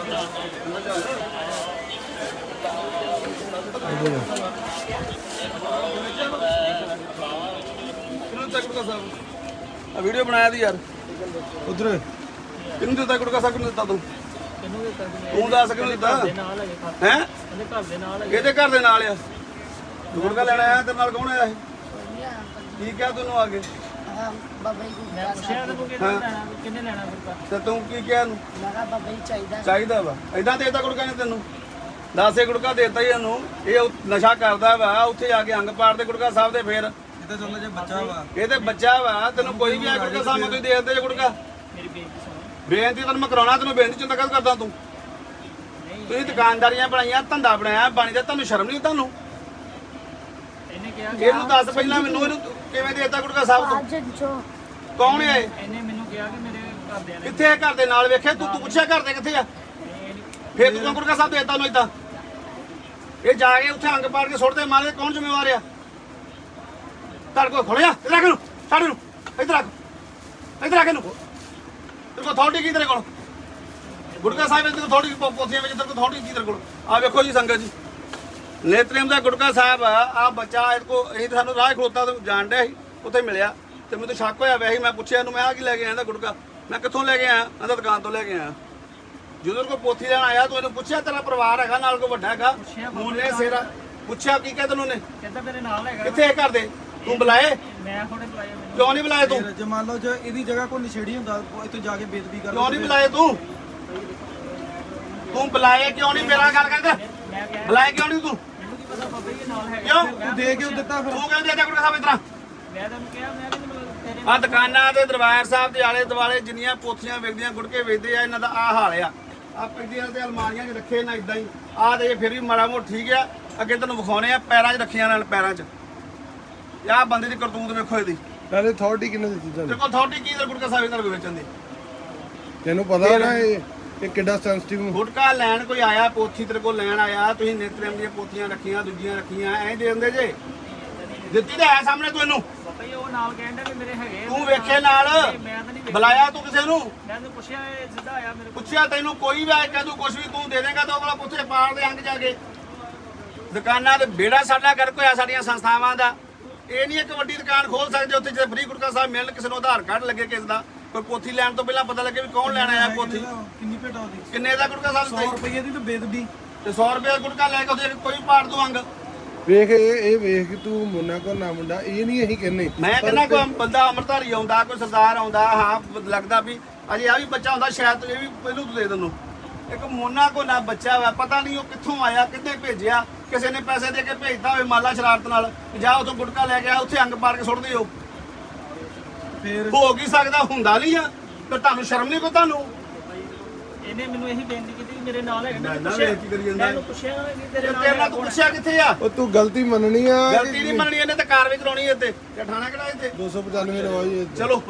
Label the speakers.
Speaker 1: video बनाया थी यार उधर किन्नू दिता गुटका साहब किन्नू दिता तू तू दस किन्नू दिता है ਇਹਦੇ ਘਰ ਦੇ ਨਾਲ ਆ ਗੁਟਕਾ ਲੈਣ ਆਇਆ ਤੇਰੇ ਨਾਲ ਕੌਣ ਆਇਆ ਇਹ ਕੀ ਕਿਹਾ ਤੈਨੂੰ ਆ ਕੇ
Speaker 2: ਬਾਬਾ ਜੀ ਮੈਂ ਪੁੱਛਿਆ ਤੇ ਕਿੰਨੇ ਲੈਣਾ ਗੁਟਕਾ
Speaker 1: ਤੇ ਤੂੰ ਕੀ ਕਿਹਾ ਇਹਨੂੰ
Speaker 2: ਮੈਂ ਕਿਹਾ ਬਾਬਾ ਜੀ
Speaker 1: ਚਾਹੀਦਾ ਵਾ ਏਦਾਂ ਦੇਤਾ ਗੁਟਕਾ ਨੇ ਤੈਨੂੰ 10 ਗੁਟਕਾ ਦੇਤਾ ਹੀ ਇਹਨੂੰ ਇਹ ਨਸ਼ਾ ਕਰਦਾ ਵਾ ਉੱਥੇ ਜਾ ਕੇ ਅੰਗ ਪਾੜ ਦੇ ਗੁਟਕਾ ਸਾਹਿਬ ਦੇ ਫੇਰ
Speaker 3: ਇਹ ਤਾਂ ਚੱਲ ਜੇ ਬੱਚਾ ਵਾ
Speaker 1: ਇਹ ਤੇ ਬੱਚਾ ਵਾ ਤੈਨੂੰ ਕੋਈ ਵੀ ਆ ਗੁਟਕਾ ਸਾਹਿਬ ਨੂੰ ਤੁਸੀਂ ਦੇ ਦਿੰਦੇ ਜੇ ਗੁਟਕਾ
Speaker 2: ਮੇਰੀ ਬੇਨਤੀ ਸੁਣੋ
Speaker 1: ਬੇਨਤੀ ਤੈਨੂੰ ਮੈਂ ਕਰਾਉਣਾ ਤੈਨੂੰ ਬੇਨਤੀ ਚੰਦਾ ਕਦ ਕਰਦਾ ਤੂੰ ਤੁਸੀਂ ਦੁਕਾਨਦਾਰੀਆਂ ਬਣਾਈਆਂ ਧੰਦਾ ਬਣਾਇਆ ਬਾਣੀ ਦਾ ਤੁਹਾਨੂੰ ਸ਼ਰਮ ਨਹੀਂ ਤੁਹਾਨੂੰ
Speaker 2: ਇਹਨੇ ਕਿਹਾ
Speaker 1: ਇਹਨੂੰ ਦੱਸ ਪਹਿਲਾਂ ਮੈਨੂੰ ਇਹਨੂੰ ਕਿਵੇਂ ਦੇਤਾ ਗੁਟਕਾ ਸਾਹਿਬ ਤੋਂ ਕੌਣ ਹੈ
Speaker 2: ਇਹਨੇ ਮੈਨੂੰ ਕਿਹਾ ਕਿ ਮੇਰੇ ਘਰਦਿਆਂ ਨੇ
Speaker 1: ਕਿੱਥੇ ਹੈ ਘਰ ਦੇ ਨਾਲ ਵੇਖਿਆ ਤੂੰ ਪੁੱਛਿਆ ਘਰ ਦੇ ਕਿੱਥੇ ਆ ਫੇਰ ਤੂੰ ਗੁਟਕਾ ਸਾਹਿਬ ਦੇਤਾ ਉਹਨੂੰ ਏਦਾਂ ਇਹ ਜਾ ਕੇ ਉੱਥੇ ਅੰਗ ਪਾੜ ਕੇ ਸੁੱਟਦੇ ਮਾਰੇ ਕੌਣ ਜ਼ਿੰਮੇਵਾਰ ਆ ਘਰ ਕੋ ਖੋਲਿਆ ਇੱਧਰ ਰੱਖ ਇਹਨੂੰ ਛੱਡ ਇਹਨੂੰ ਇੱਧਰ ਰੱਖ ਇਹਨੂੰ ਤੇਰੇ ਕੋਲ ਅਥਾਰਟੀ ਕੀ ਤੇਰੇ ਕੋਲ ਗੁਟਕਾ ਸਾਹਿਬ ਦੇ ਕੋਲ ਥੋੜੀ ਪੋਥੀਆਂ ਵਿੱਚ ਤੇਰੇ ਕੋਲ ਥੋੜੀ ਕੀ ਤੇਰੇ ਕੋਲ ਆ ਵੇਖੋ ਜੀ ਸੰਗਤ ਜੀ ਨੇਤਰੇਮ ਦਾ ਗੁਟਕਾ ਸਾਹਿਬ ਆ ਬੱਚਾ ਇਹ ਕੋ ਇਹ ਸਾਨੂੰ ਰਾਹ ਖਲੋਤਾ ਤੇ ਜਾਣ ਡਿਆ ਸੀ ਉੱਥੇ ਮਿਲਿਆ ਤੇ ਮੈਨੂੰ ਤਾਂ ਸ਼ੱਕ ਹੋਇਆ ਵੈਸੇ ਮੈਂ ਪੁੱਛਿਆ ਇਹਨੂੰ ਮੈਂ ਆ ਕੀ ਲੈ ਕੇ ਆਇਆ ਇਹਦਾ ਗੁਟਕਾ ਮੈਂ ਕਿੱਥੋਂ ਲੈ ਕੇ ਆਇਆ ਇਹਦਾ ਦੁਕਾਨ ਤੋਂ ਲੈ ਕੇ ਆਇਆ ਜਦੋਂ ਕੋਈ ਪੋਥੀ ਲੈਣ ਆਇਆ ਤੂੰ ਇਹਨੂੰ ਪੁੱਛਿਆ ਤੇਰਾ ਪਰਿਵਾਰ ਹੈਗਾ ਨਾਲ ਕੋਈ ਵੱਡਾ ਹੈਗਾ ਮੂਨੇ ਸੇਰਾ ਪੁੱਛਿਆ ਕੀ ਕਹਿ ਤੈਨੂੰ ਨੇ
Speaker 2: ਕਹਿੰਦਾ ਮੇਰੇ ਨਾਲ ਹੈਗਾ
Speaker 1: ਕਿੱਥੇ ਹੈ ਘਰ ਦੇ ਤੂੰ ਬੁਲਾਏ
Speaker 2: ਮੈਂ ਥੋੜੇ ਬੁਲਾਇਆ ਮੈਨੂੰ
Speaker 1: ਕਿਉਂ ਨਹੀਂ ਬੁਲਾਏ ਤੂੰ
Speaker 3: ਜੇ ਮੰਨ ਲਓ ਜੇ ਇਹਦੀ ਜਗ੍ਹਾ ਕੋਈ ਨਸ਼ੇੜੀ ਹੁੰਦਾ ਇੱਥੇ ਜਾ ਕੇ ਬੇਦਬੀ ਕਰ
Speaker 1: ਕਿਉਂ ਨਹੀਂ ਬੁਲਾਏ ਤੂੰ ਬੁਲਾਏ ਕਿਉਂ ਨਹੀਂ ਮੇਰਾ ਗੱਲ ਕਰਦਾ
Speaker 2: ਮੈਂ ਕਿਹਾ
Speaker 1: ਬੁਲਾਏ ਕਿਉਂ ਨਹੀਂ ਤੂੰ
Speaker 2: ਮੈਨੂੰ ਕੀ ਪਤਾ ਬਾਬਾ ਜੀ ਨਾਲ ਹੈਗਾ
Speaker 1: ਕਿਉਂ
Speaker 3: ਤੂੰ ਦੇ ਕੇ ਦਿੱਤਾ ਫਿਰ
Speaker 1: ਤੂੰ ਕਹਿੰਦੇ ਦੇਤਾ ਗੁਟਕਾ ਸਾਹਿਬ ਇਤਰਾ
Speaker 2: ਮੈਂ ਤੈਨੂੰ ਕਿਹਾ ਮੈਂ ਵੀ ਤੇਰੇ
Speaker 1: ਆ ਦੁਕਾਨਾਂ ਦੇ ਦਰਬਾਰ ਸਾਹਿਬ ਦੇ ਆਲੇ ਦੁਆਲੇ ਜਿੰਨੀਆਂ ਪੋਥੀਆਂ ਵੇਚਦੀਆਂ ਗੁਟਕੇ ਵੇਚਦੇ ਆ ਇਹਨਾਂ ਦਾ ਆ ਹਾਲ ਆ ਆ ਪਿੰਡੀਆਂ ਤੇ ਅਲਮਾਰੀਆਂ 'ਚ ਰੱਖੇ ਨਾ ਇਦਾਂ ਹੀ ਆ ਤੇ ਫਿਰ ਵੀ ਮਾੜਾ ਮੋਟ ਠੀਕ ਆ ਅੱਗੇ ਤੈਨੂੰ ਵਿਖਾਉਣੇ ਆ ਪੈਰਾਂ 'ਚ ਰੱਖੀਆਂ ਨਾਲ ਪੈਰਾਂ 'ਚ ਆਹ ਬੰਦੇ ਦੀ ਕਰਤੂਤ ਵੇਖੋ ਇਹਦੀ
Speaker 4: ਪਹਿਲੇ ਅਥਾਰਟੀ ਕਿਹਨੇ ਦਿੱਤੀ
Speaker 1: ਤੇਰੇ
Speaker 4: ਤੁਹਾਨੂੰ
Speaker 1: ਕੋਲ ਅਥਾਰਟੀ ਕੀ ਗੁਟਕਾ ਸਾਹਿਬ ਇਹਨਾਂ ਨੂੰ ਵੇਚਣ ਦੀ
Speaker 4: ਤੈਨੂੰ ਪਤਾ ਨਾ ਇਹ ਕਿੱਡਾ ਸੈਂਸਿਟਿਵ
Speaker 1: ਗੁਟਕਾ ਲੈਣ ਕੋਈ ਆਇਆ ਪੋਥੀ ਤੇਰੇ ਕੋਲ ਲੈਣ ਆਇਆ ਤੁਸੀਂ ਨਿਤਰੇਮ ਦੀਆਂ ਪੋਥੀਆਂ ਰੱਖੀਆਂ ਦੂਜੀਆਂ ਰੱਖੀਆਂ ਐਂ ਦੇ ਦਿੰਦੇ ਜੇ ਦਿੱਤੀ ਤਾਂ ਹੈ ਸਾਹਮਣੇ ਤੂੰ ਇਹਨੂੰ
Speaker 2: ਬਾਬਾ ਜੀ ਉਹ ਨਾਲ ਕਹਿੰਦਾ ਕਿ ਮੇਰੇ ਹੈਗੇ
Speaker 1: ਤੂੰ ਵੇਖੇ ਨਾਲ
Speaker 2: ਮੈਂ ਤਾਂ ਨਹੀਂ ਵੇਖਿਆ
Speaker 1: ਬੁਲਾਇਆ ਤੂੰ ਕਿਸੇ ਨੂੰ
Speaker 2: ਮੈਂ ਤੈਨੂੰ ਪੁੱਛਿਆ ਇਹ ਸਿੱਧਾ ਆਇਆ ਮੇਰੇ ਕੋਲ
Speaker 1: ਪੁੱਛਿਆ ਤੈਨੂੰ ਕੋਈ ਵੀ ਆਏ ਕਹਿੰਦਾ ਕੁਝ ਵੀ ਤੂੰ ਦੇ ਦੇਂਗਾ ਤਾਂ ਉਹ ਵਾਲਾ ਪੁੱਛੇ ਪਾੜ ਦੇ ਅੰਗ ਜਾ ਕੇ ਦੁਕਾਨਾਂ ਦੇ ਬੇੜਾ ਸਾਡਾ ਕਰ ਕੋਈ ਆ ਸਾਡੀਆਂ ਸੰਸਥਾਵਾਂ ਦਾ ਇਹ ਨਹੀਂ ਇੱਕ ਵੱਡੀ ਦੁਕਾਨ ਖੋਲ ਸਕਦੇ ਉੱਥੇ ਜੇ ਫ੍ਰੀ ਗੁਟਕਾ ਸਾਹਿਬ ਮਿਲਣ ਕਿਸੇ ਨੂੰ ਆਧਾਰ ਕਾਰਡ ਲੱਗੇ ਕਿਸੇ ਦਾ ਕੋਈ ਪੋਥੀ ਲੈਣ ਤੋਂ ਪਹਿਲਾਂ ਪਤਾ ਲੱਗੇ ਵੀ ਕੌਣ ਲੈਣ ਆਇਆ ਪੋਥੀ
Speaker 3: ਕਿੰਨੀ ਭੇਟਾ ਉਹਦੀ
Speaker 1: ਕਿੰਨੇ ਦਾ ਗੁਟਕਾ ਸਾਹਿਬ
Speaker 3: 100 ਰੁਪਏ ਦੀ ਤਾਂ ਬੇਦਬੀ
Speaker 1: ਤੇ 100 ਰੁਪਏ ਦਾ ਗੁਟਕਾ ਲੈ ਕੇ ਉਹਦੇ ਕੋਈ ਪਾੜ ਦੂ ਅੰਗ
Speaker 4: ਵੇਖ ਇਹ ਵੇਖ ਕਿ ਤੂੰ ਮੁੰਨਾ ਕੋ ਨਾ ਮੁੰਡਾ ਇਹ ਨਹੀਂ ਅਸੀਂ ਕਹਿੰਨੇ
Speaker 1: ਮੈਂ ਕਹਿੰਦਾ ਕੋਈ ਬੰਦਾ ਅੰਮ੍ਰਿਤਧਾਰੀ ਆਉਂਦਾ ਕੋਈ ਸਰਦਾਰ ਆਉਂਦਾ ਹਾਂ ਲੱਗਦਾ ਵੀ ਅਜੇ ਆ ਵੀ ਬੱਚਾ ਹੁੰਦਾ ਸ਼ਾਇਦ ਇਹ ਵੀ ਪਹਿਲੂ ਤੋਂ ਦੇ ਦੇਣੋਂ ਇੱਕ ਮੋਨਾ ਕੋ ਨਾ ਬੱਚਾ ਵਾ ਪਤਾ ਨਹੀਂ ਉਹ ਕਿੱਥੋਂ ਆਇਆ ਕਿੱਥੇ ਭੇਜਿਆ ਕਿਸੇ ਨੇ ਪੈਸੇ ਦੇ ਕੇ ਭੇਜਦਾ ਹੋਵੇ ਮਾਲਾ ਸ਼ਰਾਰਤ ਨਾਲ ਜਾ ਉਥੋਂ ਗੁਟਕਾ ਲੈ ਕੇ ਆ ਉੱਥੇ ਅੰਗ ਪਾੜ ਕੇ ਸੁੱਟ ਦਿਓ
Speaker 3: ਫੇਰ
Speaker 1: ਹੋ ਕੀ ਸਕਦਾ ਹੁੰਦਾ ਨਹੀਂ ਆ ਤੇ ਤੁਹਾਨੂੰ ਸ਼ਰਮ ਨਹੀਂ ਕੋ ਤੁਹਾਨੂੰ
Speaker 2: ਇਹਨੇ ਮੈਨੂੰ ਇਹੀ ਬੇਨਤੀ ਕੀਤੀ ਕਿ ਮੇਰੇ ਨਾਲ ਹੈਗਾ
Speaker 1: ਮੈਂ ਵੇਖ ਕੀ ਕਰੀ ਜਾਂਦਾ
Speaker 2: ਮੈਂ ਪੁੱਛਿਆ ਕਿ ਤੇਰੇ ਨਾਲ
Speaker 1: ਤੇਰੇ ਨਾਲ ਤੂੰ ਪੁੱਛਿਆ ਕਿੱਥੇ ਆ
Speaker 4: ਉਹ ਤੂੰ ਗਲਤੀ ਮੰਨਣੀ ਆ
Speaker 1: ਗਲਤੀ ਨਹੀਂ ਮੰਨਣੀ ਇਹਨੇ ਤਾਂ ਕਾਰਵਾਈ ਕਰਾਉਣੀ ਇੱਥੇ ਤੇ ਠਾਣਾ ਕਿਹੜਾ ਇੱਥੇ
Speaker 4: 295 ਰਵਾਈ
Speaker 1: ਚਲੋ